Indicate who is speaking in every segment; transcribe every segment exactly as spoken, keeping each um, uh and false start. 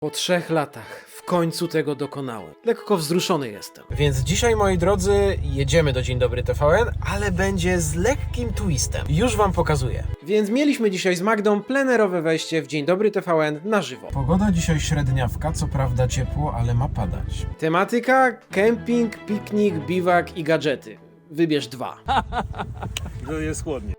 Speaker 1: Po trzech latach w końcu tego dokonałem. Lekko wzruszony jestem.
Speaker 2: Więc dzisiaj, moi drodzy, jedziemy do Dzień Dobry T V N, ale będzie z lekkim twistem. Już wam pokazuję.
Speaker 1: Więc mieliśmy dzisiaj z Magdą plenerowe wejście w Dzień Dobry T V N na żywo.
Speaker 2: Pogoda dzisiaj średniawka, co prawda ciepło, ale ma padać.
Speaker 1: Tematyka: kemping, piknik, biwak i gadżety. Wybierz dwa.
Speaker 3: To jest chłodnie.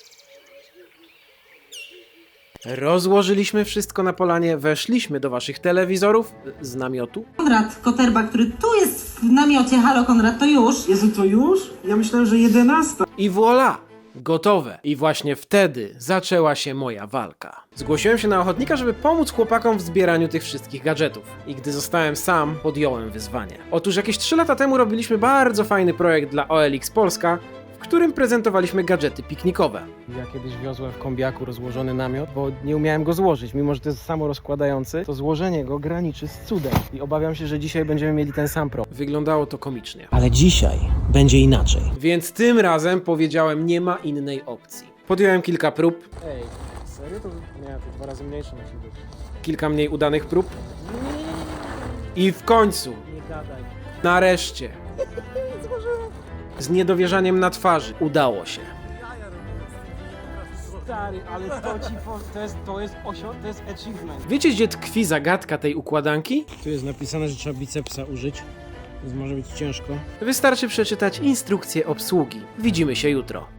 Speaker 1: Rozłożyliśmy wszystko na polanie, weszliśmy do waszych telewizorów z namiotu.
Speaker 4: Konrad Koterba, który tu jest w namiocie. Halo Konrad, to już?
Speaker 5: Jezu, to już? Ja myślałem, że jedenasta.
Speaker 1: I voilà! Gotowe. I właśnie wtedy zaczęła się moja walka. Zgłosiłem się na ochotnika, żeby pomóc chłopakom w zbieraniu tych wszystkich gadżetów. I gdy zostałem sam, podjąłem wyzwanie. Otóż jakieś trzy lata temu robiliśmy bardzo fajny projekt dla O L X Polska, w którym prezentowaliśmy gadżety piknikowe. Ja kiedyś wiozłem w kombiaku rozłożony namiot, bo nie umiałem go złożyć. Mimo że to jest samorozkładający, to złożenie go graniczy z cudem. I obawiam się, że dzisiaj będziemy mieli ten sam problem. Wyglądało to komicznie.
Speaker 2: Ale dzisiaj będzie inaczej.
Speaker 1: Więc tym razem powiedziałem, nie ma innej opcji. Podjąłem kilka prób. Ej, serio? To nie, to dwa razy mniejsze musi być. Kilka mniej udanych prób. I w końcu,
Speaker 2: Nie gadaj.
Speaker 1: nareszcie, z niedowierzaniem na twarzy, udało się.
Speaker 6: Stary, ale to ci po, to jest, to jest osiąg, to jest achievement.
Speaker 1: Wiecie, gdzie tkwi zagadka tej układanki?
Speaker 6: Tu jest napisane, że trzeba bicepsa użyć, więc może być ciężko.
Speaker 1: Wystarczy przeczytać instrukcję obsługi. Widzimy się jutro.